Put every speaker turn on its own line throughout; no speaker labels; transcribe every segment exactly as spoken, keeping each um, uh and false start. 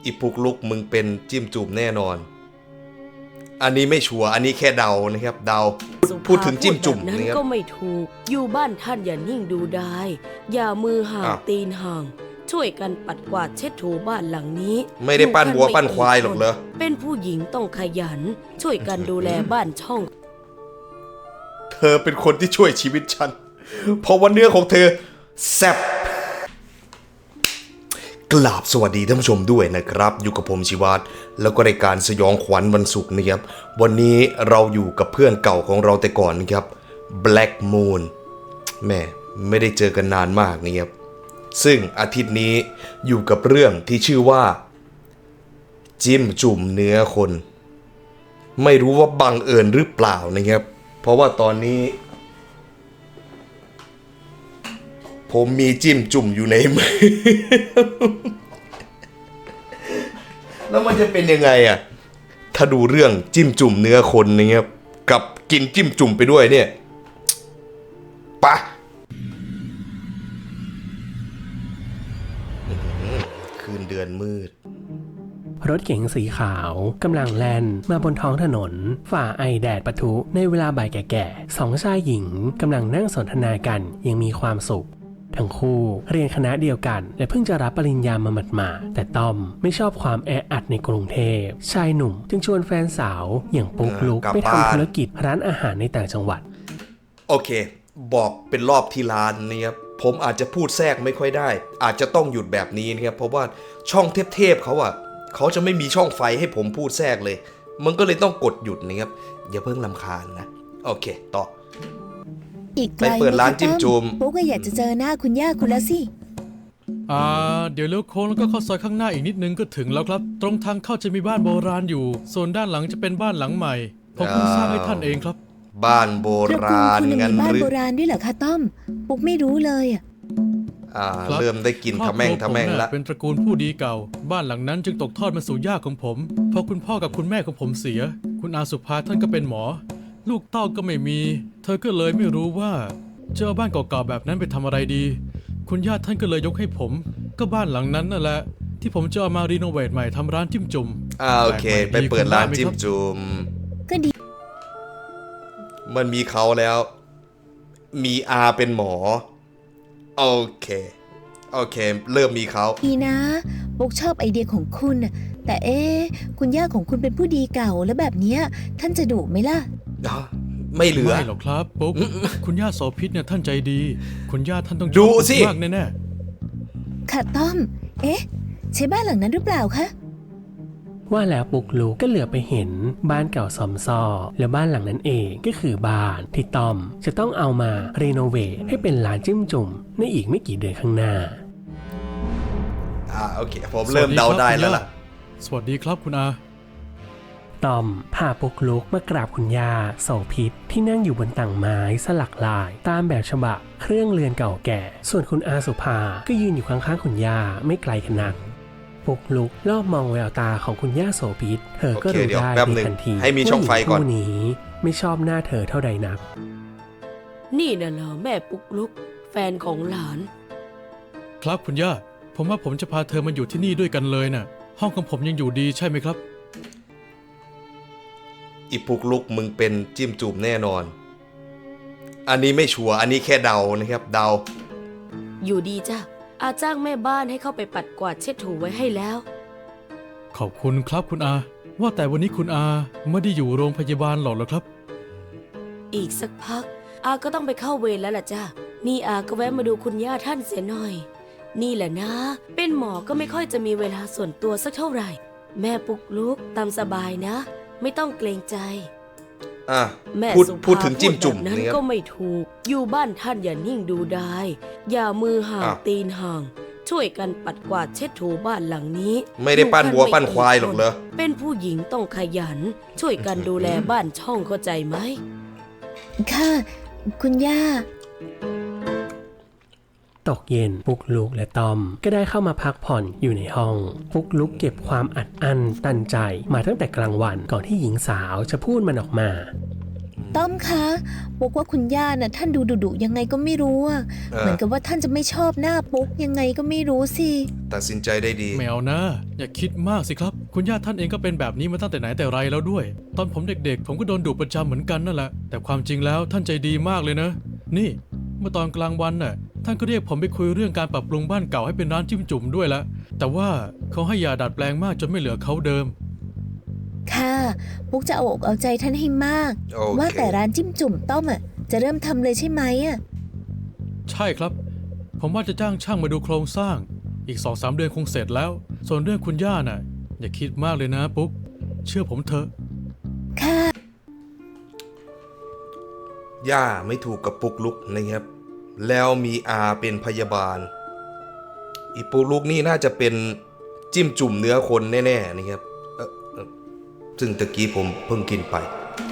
อีปุกลุกมึงเป็นจิ้มจุ่มแน่นอนอันนี้ไม่ชัวร์อันนี้แค่เดานะครับเดาพูดถึงจิ้มจุ่ม
นั้นก็ไม่ถูกอยู่บ้านท่านอย่านิ่งดูได้อย่ามือห่างตีนห่างช่วยกันปัดกวาดเช็ดถูบ้านหลังนี้
ไม่ได้ปั้นวัวปั้นควายหรอกเหรอ
เป็นผู้หญิงต้องขยันช่วยกันดูแลบ้านช่อง
เธอเป็นคนที่ช่วยชีวิตฉันเพราะว่าเนื้อของเธอแซ่บกราบสวัสดีท่านผู้ชมด้วยนะครับอยู่กับผมชิวัตแล้วก็รายการสยองขวัญวันศุกร์นะครับวันนี้เราอยู่กับเพื่อนเก่าของเราแต่ก่อนนะครับ Black Moon แม่ไม่ได้เจอกันนานมากนะครับซึ่งอาทิตย์นี้อยู่กับเรื่องที่ชื่อว่าจิ้มจุ่มเนื้อคนไม่รู้ว่าบังเอิญหรือเปล่านะครับเพราะว่าตอนนี้ผมมีจิ้มจุ่มอยู่ในมือ แล้วมันจะเป็นยังไงอ่ะถ้าดูเรื่องจิ้มจุ่มเนื้อคนนะครับกับกินจิ้มจุ่มไปด้วยเนี่ยปะคืนเดือนมืด
รถเก๋งสีขาวกำลังแล่นมาบนท้องถนนฝ่าไอแดดปะทุในเวลาบ่ายแก่ๆสองชายหญิงกำลังนั่งสนทนากันยังมีความสุขทั้งคู่เรียนคณะเดียวกันและเพิ่งจะรับปริญญามาหมาดๆแต่ต้อมไม่ชอบความแออัดในกรุงเทพชายหนุ่มจึงชวนแฟนสาวอย่างปุ๊กลุกไปทำธุรกิจร้านอาหารในต่างจังหวัด
โอเคบอกเป็นรอบที่ร้านนะครับผมอาจจะพูดแทรกไม่ค่อยได้อาจจะต้องหยุดแบบนี้นะครับเพราะว่าช่องเทพๆเขาอะเขาจะไม่มีช่องไฟให้ผมพูดแทรกเลยมันก็เลยต้องกดหยุดนะครับอย่าเพิ่งรำคาญนะโอเคต่อ
อีกไกลไป
เปิดร้านจิ้มจุ่ม
ปุ๊กก็อยากจะเจอหน้าคุณย่าคุณแล้วสิ
อ่าเดี๋ยวเลี้ยวโค้งแล้วก็เข้าซอยข้างหน้าอีกนิดนึงก็ถึงแล้วครับตรงทางเข้าจะมีบ้านโบราณอยู่ส่วนด้านหลังจะเป็นบ้านหลังใหม่ผมเพิ่งสร้างให้ท่านเองครับ
บ้านโบราณ
งั้นหรือบ้านโบราณด้วยเหรอคะต้อมปุ๊กไม่รู้เลยอ่ะ
อ่าเริ่มได้กินทะแม่งทะแม่งละ
เป็นตระกูลผู้ดีเก่าบ้านหลังนั้นจึงตกทอดมาสู่ย่าของผมพอคุณพ่อกับคุณแม่ของผมเสียคุณอาสุภาท่านก็เป็นหมอลูกเต้าก็ไม่มีเธอก็เลยไม่รู้ว่าจะเอาบ้านเก่าๆแบบนั้นไปทำอะไรดีคุณย่าท่านก็เลยยกให้ผมก็บ้านหลังนั้นนั่นแหละที่ผมจะเอามารีโนเวทใหม่ทำร้านจิ้มจุ่ม
อ่าโอเคไปเปิดร้านจิ้มจุ่ม
ก็ดี
มันมีเขาแล้วมีอาเป็นหมอโอเคโอเคเริ่มมีเขา
ดีนะปุ๊กชอบไอเดียของคุณแต่เอ๊ะคุณย่าของคุณเป็นผู้ดีเก่าแล้วแบบนี้ท่านจะดุไหมล่ะ
ไม่เหลือ
ไม่หรอกครับปุ๊กคุณย่าโสภิตเนี่ยท่านใจดีคุณย่าท่านต้อง
ดูสิ
มากแน่
ๆค่ะต้อมเอ๊ะใช่บ้านหลังนั้นหรือเปล่าคะ
ว่าแล้วปุ๊กลุกก็เหลือไปเห็นบ้านเก่าซอมซ่อและบ้านหลังนั้นเองก็คือบ้านที่ต้อมจะต้องเอามารีโนเวทให้เป็นร้านจิ้มจุ่มในอีกไม่กี่เดือนข้างหน้า
อ่าโอเคผมเริ่มเดาได้แล้วล่ะ
สวัสดีครับคุณอา
ต้อมพาปุ๊กลุกมากราบคุณย่าโสภิตที่นั่งอยู่บนต่างไม้สลักลายตามแบบฉบับเครื่องเรือนเก่าแก่ส่วนคุณอาสุภาก็ยืนอยู่ข้างๆคุณย่าไม่ไกลกันนักปุ๊กลุกรอบมองแววตาของคุณย่าโสภิตเธอก็รู้ได้ในทันที
ให้มีช่องไฟก่อน
ผู้นี้ไม่ชอบหน้าเธอเท่าใดนัก
นี่น่ะเหรอแม่ปุ๊กลุกแฟนของหลาน
ครับคุณย่าผมว่าผมจะพาเธอมาอยู่ที่นี่ด้วยกันเลยน่ะห้องของผมยังอยู่ดีใช่ไหมครับ
อีปุกลุกมึงเป็นจิ้มจุ่มแน่นอนอันนี้ไม่ชัวร์อันนี้แค่เดานะครับเดา
อยู่ดีจ้ะอาจ้างแม่บ้านให้เข้าไปปัดกวาดเช็ดถูไว้ให้แล้ว
ขอบคุณครับคุณอาว่าแต่วันนี้คุณอาไม่ได้อยู่โรงพยาบาลหรอกเหรอครับ
อีกสักพักอาก็ต้องไปเข้าเวรแล้วล่ะจ้ะนี่อาก็แวะมาดูคุณย่าท่านเสียหน่อยนี่แหละนะเป็นหมอก็ไม่ค่อยจะมีเวลาส่วนตัวสักเท่าไหร่แม่ปุ๊กลุกตามสบายนะไม่ต้องเกรงใจ
อ่ะแม่พูดพูดถึงจิ้มจุ่ม
นั้นก็ไม่ถูกอยู่บ้านท่านอย่านิ่งดูได้อย่ามือห่างตีนห่างช่วยกันปัดกวาดเช็ดถูบ้านหลังนี้
ไม่ได้ปั้นวัวปั้นควายหรอกเหรอ
เป็นผู้หญิงต้องขยันช่วยกันดูแลบ้านช่องเข้าใจไหม
ค่ะคุณย่า
ตกเย็นปุ๊กลุกและตอมก็ได้เข้ามาพักผ่อนอยู่ในห้องปุ๊กลุกเก็บความอัดอั้นตันใจมาตั้งแต่กลางวันก่อนที่หญิงสาวจะพูดมันออกมา
ต้อมคะปุ๊กว่าคุณย่าน่ะท่านดูดุดุยังไงก็ไม่รู้อะ
เออ
เหมือนกับว่าท่านจะไม่ชอบหน้าปุ๊กยังไงก็ไม่รู้สิ
ตัดสินใจได้ดี
แมวนะ อย่าคิดมากสิครับ คุณย่าท่านเองก็เป็นแบบนี้มาตั้งแต่ไหนแต่ไรแล้วด้วย ตอนผมเด็กๆ ผมก็โดนดุประจำเหมือนกันนั่นแหละ แต่ความจริงแล้วท่านใจดีมากเลยนะ นี่ เมื่อตอนกลางวันน่ะ ท่านก็เรียกผมไปคุยเรื่องการปรับปรุงบ้านเก่าให้เป็นร้านจิ้มจุ่มด้วยละ แต่ว่าเขาให้ยาดัดแปลงมากจนไม่เหลือเขาเดิม
ค่ะปุ๊กจะเอาอกเอาใจท่านให้มาก
โอเค
ว่าแต่ร้านจิ้มจุ่มต้อมอะจะเริ่มทำเลยใช่ไหมอะ
ใช่ครับ ผมว่าจะจ้างช่างมาดูโครงสร้าง อีกสองสามเดือนคงเสร็จแล้ว ส่วนเรื่องคุณย่าน่ะ อย่าคิดมากเลยนะปุ๊ก เชื่อผมเถอะ
ค่ะ
ย่าไม่ถูกกับปุกลุกนะครับ แล้วมีอาเป็นพยาบาล อีปุกลุกนี่น่าจะเป็นจิ้มจุ่มเนื้อคนแน่ๆนะครับเอ่อเอ่อซึ่งตะกี้ผมเพิ่งกินไป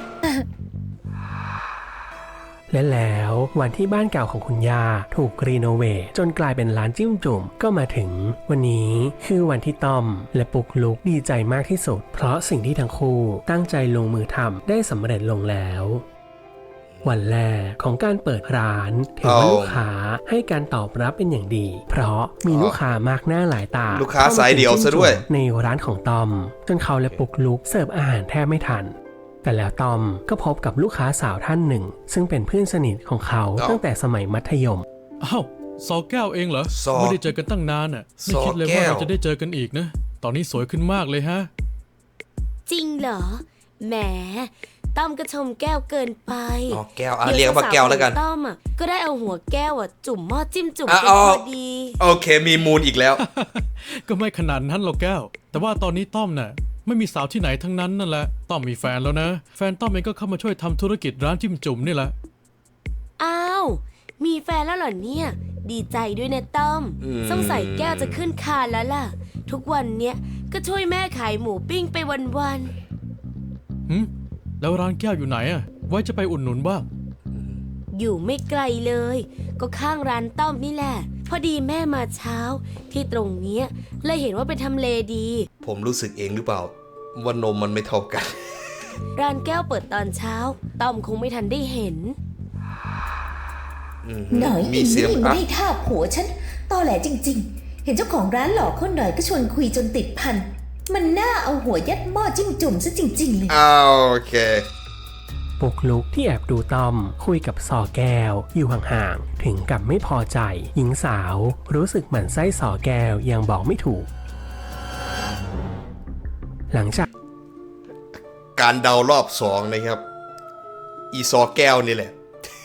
และแล้ววันที่บ้านเก่าของคุณย่าถูกรีโนเวทจนกลายเป็นร้านจิ้มจุ่มก็มาถึง วันนี้คือวันที่ต้อมและปุกลุกดีใจมากที่สุด เพราะสิ่งที่ทั้งคู่ตั้งใจลงมือทำได้สำเร็จลงแล้ว วันแรกของการเปิดร้านถือว่า
เอา
ลูกค้าให้การตอบรับเป็นอย่างดี เพราะมีลูกค้ามากหน้าหลายตา
ลูกค้าสายเดี่ยวซะด้วย
ในร้านของต้อมจนเขาและปุกลุกเสิร์ฟอาหารแทบไม่ทัน แต่แล้วตอมก็พบกับลูกค้าสาวท่านหนึ่ง ซึ่งเป็นเพื่อนสนิทของเขา
อ้าว
ตั้งแต่สมัยมัธยม
อ้าวซอแก้วเองเหรอ
ซอ
ไม่ได้เจอกันตั้งนานอ่ะ ไม่
ซอ
คิดเลย
แก้
ว่าว เราจะได้เจอกันอีกนะ ตอนนี้สวยขึ้นมากเลยฮะ
จริงเหรอ แหม ต้อมก็ชมแก้วเกินไป
อ๋อแก้วอ่ะเรียกว่าแก้วแล้วกัน
เดี๋ยสาวๆของต้อมอ่ะก็ได้เอาหัวแก้วอ่ะจุ่มหม้อจิ้มจุ่ม
อ่ะ
กัน
อ๋อ
พอดี
โอเคมีมูลอีกแล้ว
ก็ไม่ขนาดนั้นหรอกแก้ว แต่ว่าตอนนี้ต้อมน่ะไม่มีสาวที่ไหนทั้งนั้นนั่นแหละ ต้อมมีแฟนแล้วนะ แฟนต้อมเองก็เข้ามาช่วยทำธุรกิจร้านจิ้มจุ่มนี่แหละ
อ้าว มีแฟนแล้วเหรอเนี่ย ดีใจด้วยนะต้อม
อืม
สงสัยแก้วจะขึ้นคานแล้วล่ะ ทุกวันเนี้ยก็ช่วยแม่ขายหมูปิ้งไปวัน
หืมแล้วร้านแก้วอยู่ไหนอ่ะ ไว้จะไปอุดหนุนบ้าง
ๆ อยู่ไม่ไกลเลย ก็ข้างร้านต้อมนี่แหละ พอดีแม่มาเช้า ที่ตรงเนี้ยเลยเห็นว่าเป็นทำเลดี
ผมรู้สึกเองหรือเปล่า ว่านมมันไม่เท่ากัน
ร้านแก้วเปิดตอนเช้า ต้อมคงไม่ทันได้เห็น
อืม
หน่อย
มีเสียง
นี่
อ่ะ
ไม่ท่าผัวฉันตอแหลจริง ๆ เห็นเจ้าของร้านหลอกคนหน่อยก็ชวนคุยจนติดพัน มันน่าเอาหัวยัดหม้อจิ้มจุ่มซะจริง ๆ เลย
อ้าวโอเค
ปุกลุกที่แอบดูต้อมคุยกับซอแก้วอยู่ห่างๆ ถึงกับไม่พอใจ หญิงสาวรู้สึกหมั่นไส้ซอแก้วยังบอกไม่ถูก หลังจาก
การเดารอบสองนะครับ อีซอแก้วนี่แหละ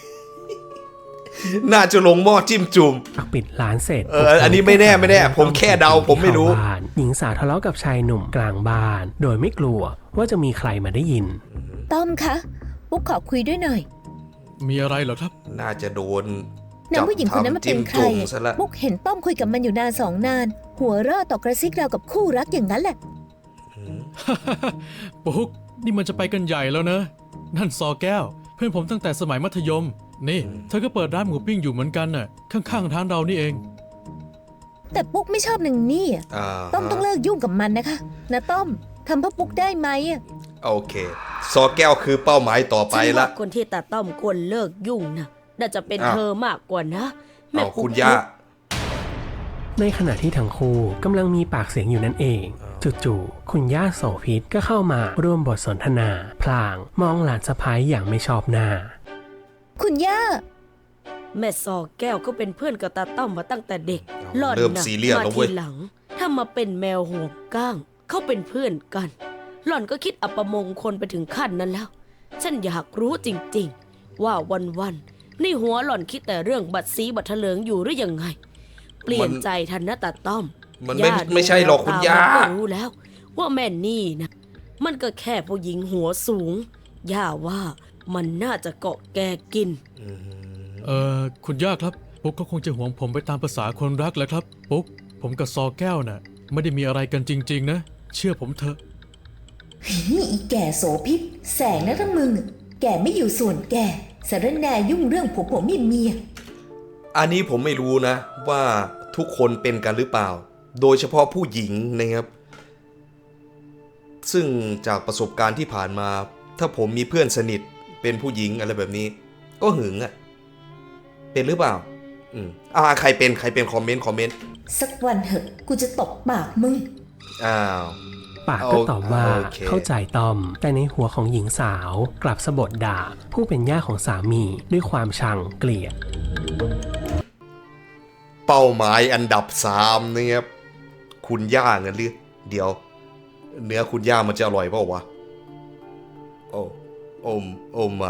น่าจะลงหม้อจิ้มจุ่ม
ปิดร้านเสร็จ
เอออันนี้ไม่แน่ไม่แน่ผมแค่เดาผมไม่รู้
เข้าบ้านหญิงสาวทะเลาะกับชายหนุ่มกลางบ้าน โดยไม่กลัวว่าจะมีใครมาได้ยิน
ต้อมคะปุ๊กขอคุยด้วยหน่อย
มีอะไรเหรอครับ
น่าจะโดน
นางผู้หญิงคนนั้นมันเป็นใคร
จิ้มจุ่ม
อะ
ซะละ
ปุ๊กเห็นต้อมคุยกับมันอยู่นานสองนาน หัวเราะต่อกระซิกเราวกับคู่รักอย่างนั้นแหละ
ปุ๊ก นี่มันจะไปกันใหญ่แล้วนะ นั่นซอแก้ว เพื่อนผมตั้งแต่สมัยมัธยม นี่ เธอก็เปิดร้านหมูปิ้งอยู่เหมือนกันน่ะ ข้างๆร้านเรานี่เอง
แต่ปุ๊กไม่ชอบนางนี่อะ
อ่า
ต้อมต้องเลิกยุ่งกับมันนะคะนะต้อมทำเพื่อปุ๊กได้ไหมอะ
โอเค ซอแก้วคือเป้าหมายต่อไป
ฉัน
ละ
ว่าคนที่ตาต้อมควรเลิกยุ่งนะน่าจะเป็น
อ้าว
เธอมากกว่านะแม่
เอา
ปุ๊ก
คุณย่า
ในขณะที่ทั้งคู่กำลังมีปากเสียงอยู่นั่นเอง จู่ๆคุณย่าโสภิตก็เข้ามาร่วมบทสนทนา พลางมองหลานสะพ้ายอย่างไม่ชอบหน้า
คุณย่า
แม่ซอแก้วก็เป็นเพื่อนกับตาต้อมมาตั้งแต่เด็ก
เอา
หล่อน
เริ่ม
นะ
ซีเรียส
มา
แล้วเว้
ที
ย
หลัง ถ้ามาเป็นแมวหัวก้าง เขาเป็นเพื่อนกัน หล่อนก็คิดอัปมงคลไปถึงขั้นนั้นแล้ว ฉันอยากรู้จริงๆ ว่าวันๆในหัวหล่อนคิดแต่เรื่องบัตรสีบัตรเถลิงอยู่หรือยังไง เปลี่ยนใจทันนะตาต้อม
มันไม่
ย่าดู
ไม่ใช่หรอกคุณย่า
แวตมันก็รู้แล้ว ว่าแม่นี่นะมันก็แค่ผู้หญิงหัวสูง ย่าว่ามันน่าจะเกาะแกกิน
เอ่อ คุณย่าครับ ปุ๊กก็คงจะห่วงผมไปตามภาษาคนรักแหละครับ ปุ๊ก ผมกับซอแก้วน่ะ ไม่ได้มีอะไรกันจริงๆนะ เชื่อผมเถอะ
นี่อีแก่โสพิษแสงนะทั้งมึง แก่ไม่อยู่ส่วนแก่สารแหน่ยุ่งเรื่องผัวผัวเมียเมีย
อันนี้ผมไม่รู้นะ ว่าทุกคนเป็นกันหรือเปล่า โดยเฉพาะผู้หญิงนะครับ ซึ่งจากประสบการณ์ที่ผ่านมา ถ้าผมมีเพื่อนสนิทเป็นเป็นผู้หญิงอะไรแบบนี้ ก็หึงอ่ะเป็นหรือเปล่าอืมอ่าใครเป็นใครเป็นคอมเมนต์คอมเมนต์
สักวันเถอะกูจะตบปากมึง
อ้าว
ปากก็ตอบว่า
โอเค
เข้าใจตอม แต่ในหัวของหญิงสาวกลับสะบดด่า ผู้เป็นย่าของสามีด้วยความชังเกลียด
เป้าหมายอันดับสามนะครับคุณย่าเงินหรือเดี๋ยว เนื้อคุณย่ามันจะอร่อยเปล่าวะโอ้โอ้โอ้ไม่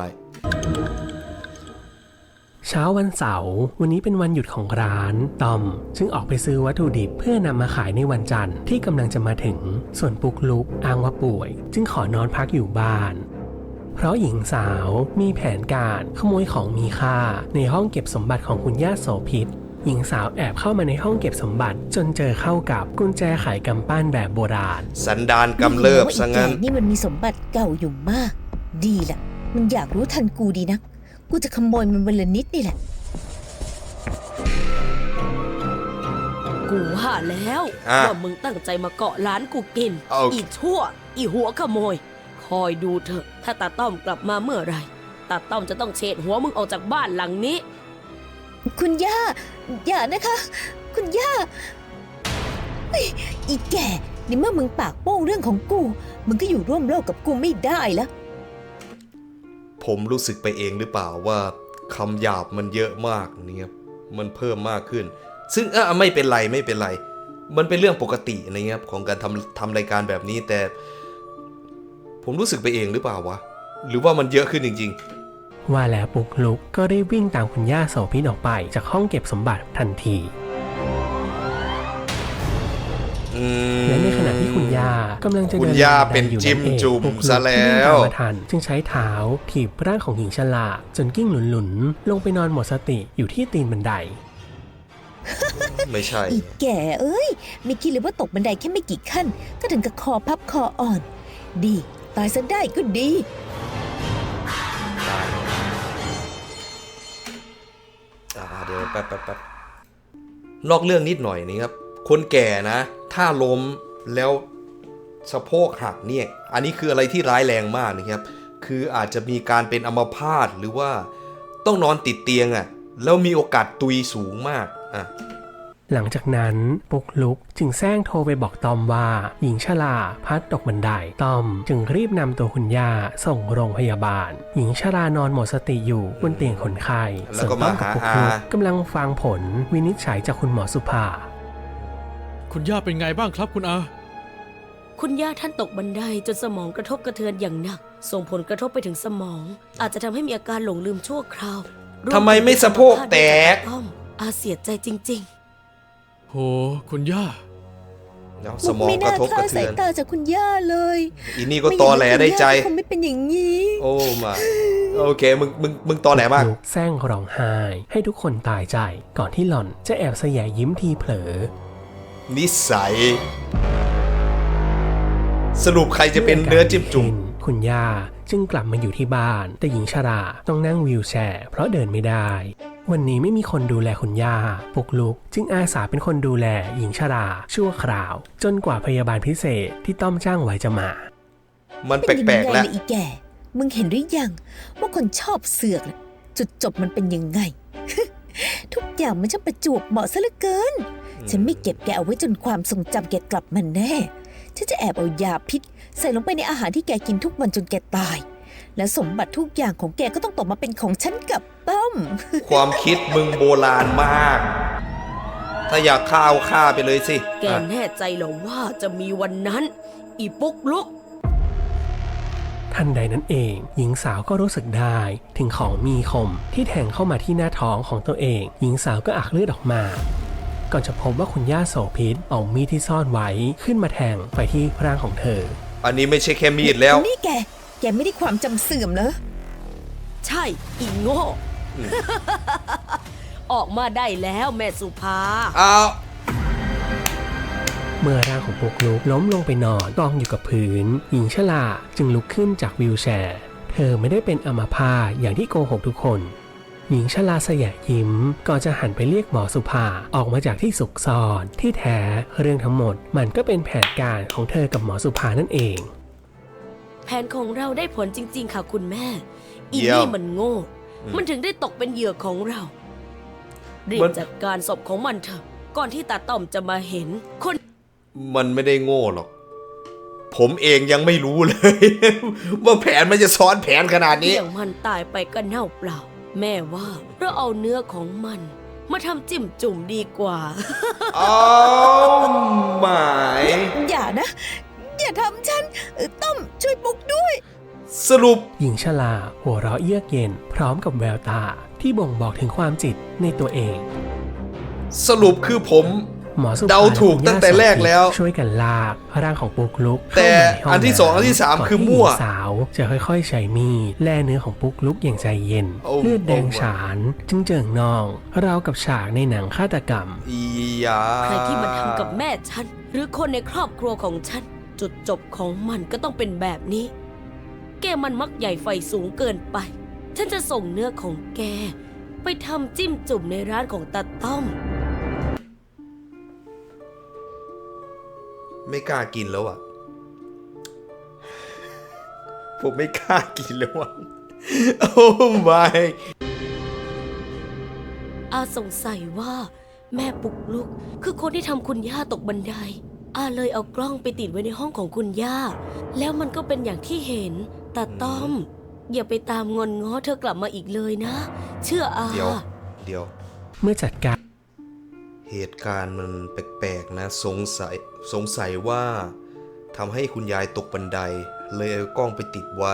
เช้าวันเสาร์วันนี้เป็นวันหยุดของร้านตอมจึงออกไปซื้อวัตถุดิบเพื่อนำมาขายในวันจันทร์ที่กำลังจะมาถึงส่วนปุกลุกอ้างว่าป่วย จึงขอนอนพักอยู่บ้าน เพราะหญิงสาวมีแผนการขโมยของมีค่าในห้องเก็บสมบัติของคุณย่าโสภิตหญิงสาวแอบเข้ามาในห้องเก็บสมบัติจนเจอเข้ากับกุญแจไขกำปั้นแบบโบราณ
สันดานกำเริบซะงั้น
ไอ้แก่นี่มันมีสมบัติเก่าอยู่มาก ดีล่ะ มันอยากรู้ทันกูดีนัก กูจะขโมยมันวันละนิดนี่แหละ
กูว่าแล้ว
อ่ะ
ว่ามึงตั้งใจมาเกาะร้านกูกิน
เอา
อีชั่ว อีหัวขโมย คอยดูเถอะ ถ้าตาต้อมกลับมาเมื่อไหรตาต้อมจะต้องเฉดหัวมึงออกจากบ้านหลังนี้
คุณย่า อย่านะคะ คุณย่าเฮ้ยอีแก่ในเมื่อมึงปากโป้งเรื่องของกู มึงก็อยู่ร่วมโลกกับกูไม่ได้แล้ว
ผมรู้สึกไปเองหรือเปล่าว่าคำหยาบมันเยอะมากเนี่ยมันเพิ่มมากขึ้น ซึ่งเออไม่เป็นไรไม่เป็นไร มันเป็นเรื่องปกตินะครับของการทำทำรายการแบบนี้แต่ ผมรู้สึกไปเองหรือเปล่าวะหรือว่ามันเยอะขึ้นจริง
ว่าแล้วปุกลุกก็ได้วิ่งตามคุณย่าโสภิตออกไปจากห้องเก็บสมบัติทันที
ๆอืม
และในขณะที่คุณย่ากำลังจะ
คุ
เดิ
ณ
น
ย่า
บันได
เป็น
อยู่
จิ้ม
นั่นเอง
จุ่ม
ปุกลุก
ซะแล้ว
วิ่งตามมาทันจึงใช้เท้าถีบร่างของหญิงชราจนกิ้งหลุนๆลงไปนอนหมดสติอยู่ที่ตีนบันได
ไม่ใช่
อีแก่เอ้ย ไม่คิดเลยว่าตกบันไดแค่ไม่กี่ขั้น ก็ถึงกับคอพับคออ่อน ดี ตายซะได้ก็ดี
อ่าเดี๋ยวแป๊บแป๊บแป๊บนอกเรื่องนิดหน่อยนี่ครับ คนแก่นะ ถ้าล้มแล้วสะโพกหักเนี่ย อันนี้คืออะไรที่ร้ายแรงมากนะครับ คืออาจจะมีการเป็นอัมพาตหรือว่าต้องนอนติดเตียงอะ่ะ แล้วมีโอกาสตุยสูงมากอ่ะ
หลังจากนั้นปุกลุกจึงแซงโทรไปบอกตอมว่าหญิงชราพลัดตกบันไดตอมจึงรีบนำตัวคุณย่าส่งโรงพยาบาล หญิงชรานอนหมดสติอยู่บนเตียงคนไข้
แล้ว
ส่วน
ก็
ตอ
มาม
กับ
หา
ปุก
อา
ลุกกำลังฟังผลวินิจฉัยจากคุณหมอสุภา
คุณย่าเป็นไงบ้างครับคุณอา
คุณย่าท่านตกบันไดจนสมองกระทบกระเทือนอย่างหนัก ส่งผลกระทบไปถึงสมอง อาจจะทำให้มีอาการหลงลืมชั่วคราวรว
ทำไมไม่สะโพกแตก
รวมถึงอัมพาตด้วยจากตาต้อมอาเสียใจจริง
โห คุณย่า
แล้วสมอง
ไม่
กระ
น่า
ทบ
ค
ก
ลา
ระ
ด
เทื
สาย
อน
ตาจากคุณย่าเลย
อีนี่ก็ตอแหลได้ใจ
คงไม่เป็นอย่างนี้
โอ้มาโอเคมึงมึงมึงตอแหลมาก
ลุกแซงร้องไห้ให้ทุกคนตายใจ ก่อนที่หล่อนจะแอบแสยะยิ้มทีเผลอ
นิสัย สรุปใครจะเป็นเนื้อจิ้มจุ่ม
คุณย่าจึงกลับมาอยู่ที่บ้าน แต่หญิงชราต้องนั่งวีลแชร์เพราะเดินไม่ได้ วันนี้ไม่มีคนดูแลคุณย่าปุกลุกจึงอาสาเป็นคนดูแลหญิงชราชั่วคราว จนกว่าพยาบาลพิเศษที่ต้อมจ้างไว้จะมา
มันแป
เป็นยัง
ล
ไง
กๆแล้ว
ล่ะอีแก่ มึงเห็นหรือยัง ว่าคนชอบเสือกน่ะจุดจบมันเป็นยังไง ทุกอย่างมันช่างประจวบเหมาะซะเหลือเกิน ฉันไม่เก็บแกเอาไว้จนความทรงจำแกกลับมาแน่ ฉันจะแอบเอายาพิษ ใส่ลงไปในอาหารที่แกกินทุกวันจนแกตาย และสมบัติทุกอย่างของแกก็ต้องตกมาเป็นของฉันกับต้อม
ความคิดมึงโบราณมาก ถ้าอยากฆ่าเอาฆ่าไปเลยสิ
ๆ แก
อ่ะ
แน่ใจเหรอว่าจะมีวันนั้น อีปุกลุก
ทันใดนั้นเองหญิงสาวก็รู้สึกได้ถึงของมีคมที่แทงเข้ามาที่หน้าท้องของตัวเอง หญิงสาวก็อักเลือดออกมา ก่อนจะพบว่าคุณย่าโสภิตเอามีดที่ซ่อนไว้ขึ้นมาแทงไปที่ร่างของเธอ
อันนี้ไม่ใช่แค่มีดแล้ว
นี่แก แกไม่ได้ความจำเสื่อมเหรอ
ใช่ อีโง่ ออกมาได้แล้วแม่สุภา
เอา
เมื่อร่างของปุกลุกล้มลงไปนอนกองอยู่กับพื้น หญิงชราจึงลุกขึ้นจากวีลแชร์ เธอไม่ได้เป็นอัมพาตอย่างที่โกหกทุกคน หญิงชราสยะยิ้มก่อนจะหันไปเรียกหมอสุภาออกมาจากที่สุกซ่อนที่แท้เรื่องทั้งหมดมันก็เป็นแผนการของเธอกับหมอสุภานั่นเอง
แผนของเราได้ผลจริง ๆ ค่ะคุณแม่ ออี
เยี่ยม
นี่มันโง่ มันถึงได้ตกเป็นเหยื่อของเรารีบ
มัน
จัดการศพของมันเถอะ ก่อนที่ตาต้อมจะมาเห็น คน
มันไม่ได้โง่หรอก ผมเองยังไม่รู้เลย ว่าแผนมันจะซ้อนแผนขนาดนี้
เลี้ยงมันตายไปก็เน่าเปล่า แม่ว่าเราเอาเนื้อของมัน มาทำจิ้มจุ่มดีกว่า
อ๋อหมาย
อย่านะ อย่าทำฉันเออต้อมช่วยปุกด้วย
สรุป
หญิงชราหัวเราะเยือกเย็นพร้อมกับแววตาที่บ่งบอกถึงความจิตในตัวเอง
สรุปคือผม
หมอสุภ
เดาถูกตั้งแต่แรกแล้ว
ช่วยกันลากร่างของปุ๊กลุก
แต่
เข้ามาในห้อง
อันที่สองอันที่สาม
ก่น
คือมั่ว
ที่หญิงสาวจะค่อยๆใช้มีดแล่เนื้อของปุ๊กลุกอย่างใจเย็น
โอ้
เลือดแดง
โอ้
ฉานจึงเจิ่งนองราวกับฉากในหนังฆาตกรรม
อียา
ใครที่มาทำกับแม่ฉัน หรือคนในครอบครัวของฉัน จุดจบของมันก็ต้องเป็นแบบนี้ แกมันมักใหญ่ไฟสูงเกินไป ฉันจะส่งเนื้อของแก ไปทำจิ้มจุ่มในร้านของตาต้อม
ไม่กล้ากินแล้วอ่ะ ผมไม่กล้ากินแล้วอ่ะ โอ้ไม่
อาสงสัยว่า แม่ปุกลุกคือคนที่ทำคุณย่าตกบันได อาเลยเอากล้องไปติดไว้ในห้องของคุณย่า แล้วมันก็เป็นอย่างที่เห็นตาต้อม อย่าไปตามงอนง้อเธอกลับมาอีกเลยนะ เชื่ออา
เดี๋ยว เดี๋ยว
เมื่อจัดการ
เหตุการณ์มันแปลกๆนะ สงสัย สงสัยว่าทำให้คุณยายตกบันได เลยเอากล้องไปติดไว้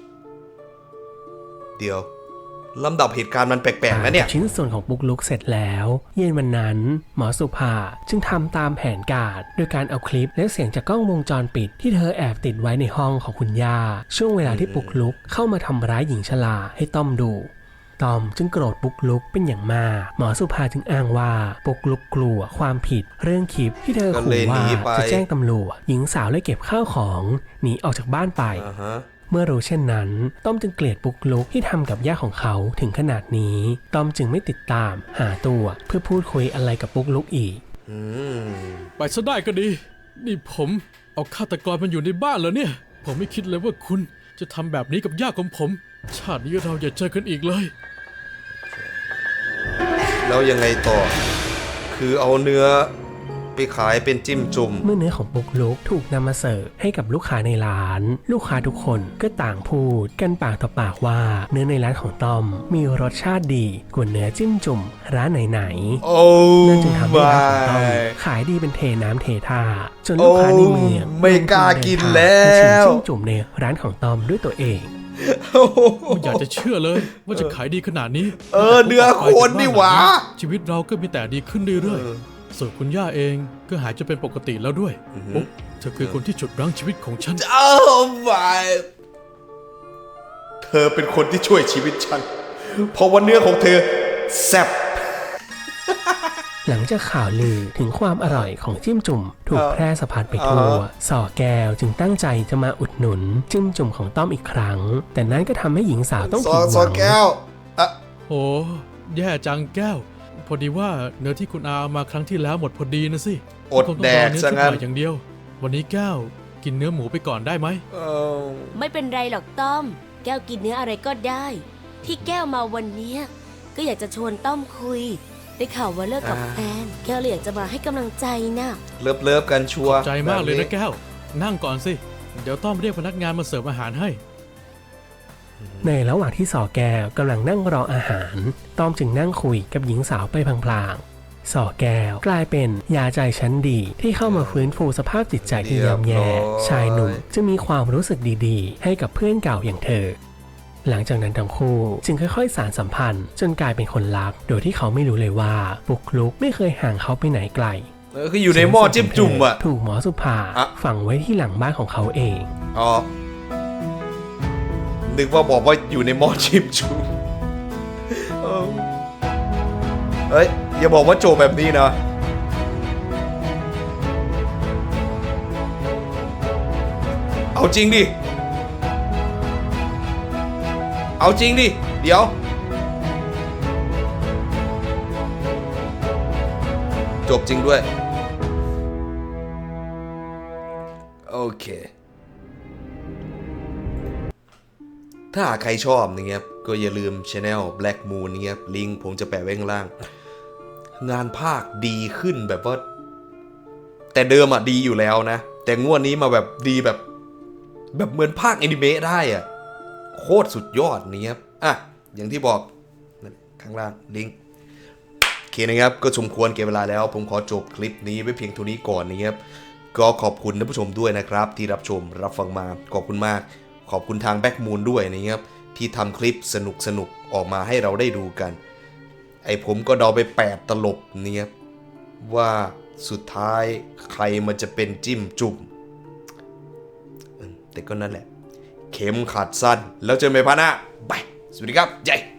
เดี๋ยวลำดับเหตุการณ์มันแปลกๆนะเนี่ย
ชิ้นส่วนของปุ๊กลุกเสร็จแล้ว เย็นวันนั้น หมอสุภาจึงทำตามแผนการโดยการเอาคลิปและเสียงจากกล้องวงจรปิดที่เธอแอบติดไว้ในห้องของคุณย่าช่วงเวลาที่ปุ๊กลุกเข้ามาทำร้ายหญิงชราให้ต้อมดูต้อมจึงโกรธปุ๊กลุกเป็นอย่างมากหมอสุภาจึงอ้างว่าปุ๊กลุกกลัวความผิดเรื่องคลิปที่เธอ
ก็เล
ขู่
ยหนี
ว่า
ไป
จะแจ้งตำรวจหญิงสาวเลยเก็บข้าวของหนีออกจากบ้านไป
อ่าฮะ
เมื่อรู้เช่นนั้น ต้อมจึงเกลียดปุ๊กลุกที่ทำกับย่าของเขาถึงขนาดนี้ ต้อมจึงไม่ติดตามหาตัวเพื่อพูดคุยอะไรกับปุ๊กลุกอีก
อืม
ไปซะได้ก็ดี นี่ผมเอาฆาตกรมันอยู่ในบ้านแล้วเนี่ย ผมไม่คิดเลยว่าคุณจะทำแบบนี้กับย่าของผม ชาตินี้เราอย่าเจอกันอีกเลย
แล้วยังไงต่อ คือเอาเนื้อไปขายเป็นจิ้มจุ่ม
เมื่อเนื้อของปุ๊กลุกถูกนำมาเสิร์ฟให้กับลูกค้าในร้าน ลูกค้าทุกคนก็ต่างพูดกันปากต่อปากว่าเนื้อในร้านของต้อมมีรสชาติดีกว่าเนื้อจิ้มจุ่มร้านไหนๆ
โอ้
นั่นจึงทำให้ร้านของต้อม
ไม่
ขายดีเป็นเทน้ำเทท่าจนลูกค้าในเมือง
โอ้ไม่กล้ากินแล้ว
มาชิมจิ้มจุ่มในร้านของต้อมด้วยตัวเอง
ไม่อยากจะเชื่อเลยว่าจะขายดีขนาดนี้
เออเนื้อคนนี่หว่า
ชีวิตเราก็มีแต่ดีขึ้นเรื่อย
เออ
ๆส่วนคุณย่าเองก็หายจะเป็นปกติแล้วด้วย
อือฮึ
โอ้เธอคือคนที่ฉุดรั้งชีวิตของฉัน
โอ้ไม่เธอเป็นคนที่ช่วยชีวิตฉัน เพราะว่าเนื้อของเธอแซ่บ
หลังจากข่าวลือถึงความอร่อยของจิ้มจุ่มถูก
เออ
แพร่สะพัดไปทั่ว
เออ
ส่อแก้วจึงตั้งใจจะมาอุดหนุนจิ้มจุ่มของต้อมอีกครั้ง แต่นั้นก็ทำให้หญิงสาวต้อง
ซอ
ผิดห
ซอ
วัง
แก้วอ่ะ
โอ้แย่จังแก้ว พอดีว่าเนื้อที่คุณอาเอามาครั้งที่แล้วหมดพอดีนะสิ
อดแดก
คงต้องรอเนื้อ
ซะ
ชุด
งั้น
ใหม่อย่างเดียว วันนี้แก้วกินเนื้อหมูไปก่อนได้ไหม
เออ
ไม่เป็นไรหรอกต้อม แก้วกินเนื้ออะไรก็ได้ ที่แก้วมาวันเนี้ยก็อยากจะชวนต้อมคุย ได้ข่าวว่าเลิกกับแฟน แก้วเลยอยากจะมาให้กำลังใจน่ะ
เลิฟเลิฟกันชัวร์
ใจมากเลย
แบบ
นะแก้ว นั่งก่อนสิ เดี๋ยวต้อมเรียกพนักงานมาเสิร์ฟอาหารให้
ในระหว่างที่สอแก้วกำลังนั่งรออาหาร ต้อมจึงนั่งคุยกับหญิงสาวไปพลางๆสอแก้วกลายเป็นยาใจชั้นดีที่เข้ามาฟื้นฟูสภาพจิตใจที่ย่ำแย่ ชายหนุ่มจะมีความรู้สึกดีๆ ให้กับเพื่อนเก่าอย่างเธอ หลังจากนั้นทั้งคู่จึงค่อยๆสานสัมพันธ์จนกลายเป็นคนรัก โดยที่เขาไม่รู้เลยว่าปุกลุกไม่เคยห่างเขาไปไหนไกล
เออคืออยู่ในหม้อจิ้มจุ่มอ่ะ
ถูกหมอสุภา
อะ
ฝังไว้ที่หลังบ้านของเขาเอง
อ๋อ นึกว่าบอกว่าอยู่ในหม้อจิ้มจุ่มเออเฮ้ย อย่าบอกว่าโจแบบนี้นะ เอาจริงดิ เอาจริงดิ เดี๋ยว จบจริงด้วย โอเคถ้าหากใครชอบนะครับก็อย่าลืม Channel Black Moon นะครับลิงก์ผมจะแปะไว้ข้างล่าง งานภาคดีขึ้นแบบว่า แต่เดิมอ่ะดีอยู่แล้วนะ แต่งวดนี้มาแบบดีแบบ แบบเหมือนภาคแอนิเมะได้อ่ะโคตรสุดยอดนี่ครับอ่ะอย่างที่บอกข้างล่างลิงก์โอเคนะครับก็สมควรเก็บเวลาแล้วผมขอจบคลิปนี้ไว้เพียงเท่านี้ก่อนนะครับก็ขอบคุณท่านผู้ชมด้วยนะครับที่รับชมรับฟังมาขอบคุณมากขอบคุณทางแบ็กมูนด้วยนะครับที่ทำคลิปสนุกสนุกออกมาให้เราได้ดูกันไอผมก็เดาไปแปดตลบเนี่ยว่าสุดท้ายใครมันจะเป็นจิ้มจุ่มแต่ก็นั่นแหละเข็มขัดสั้นแล้วเจอกันใหม่พาร์ทหน้าบายสวัสดีครับใหญ่